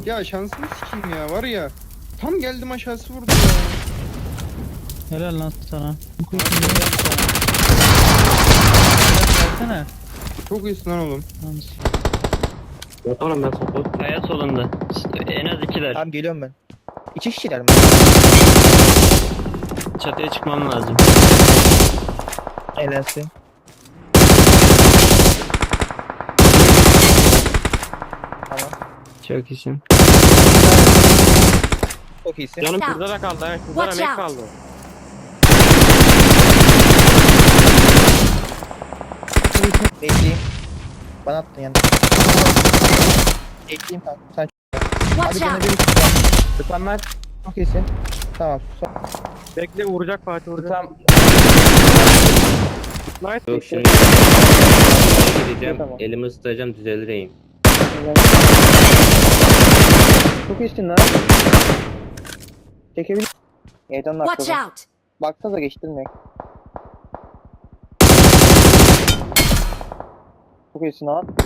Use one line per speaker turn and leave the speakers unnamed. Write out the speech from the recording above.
Ya şansını sikeyim ya var ya. Tam geldim aşağısı vurdu ya.
Helal lan sana. Bu kuyusun Versene.
Çok iyisin lan oğlum.
Oğlum ben support.
Kaya solunda. En az 2'ler.
Tamam geliyorum ben. 2 kişiler mi?
Çatıya çıkmam lazım.
Eğlensin. Tamam.
Çok iyisin.
Çok iyisin.
Canım
Watch
şurada da kaldı. Ha. Şurada da
Watch
mek
out.
kaldı.
Bekleyeyim. Bana attın yani. Bekleyeyim kanka. Sen
Watch
bana
out!
bir
Mükemmel.
çok iyisin. Tamam.
Bekle vuracak Fatih vuracak.
Tamam.
Nice.
Yok şimdi. Gideceğim.
Tamam.
Elimi ısıtacağım düzelir eğim.
Çok iyisin lan. Çekebilir. Evden
Watch
atladım.
out!
Baksanıza geçtirmek. Çok iyisin lan.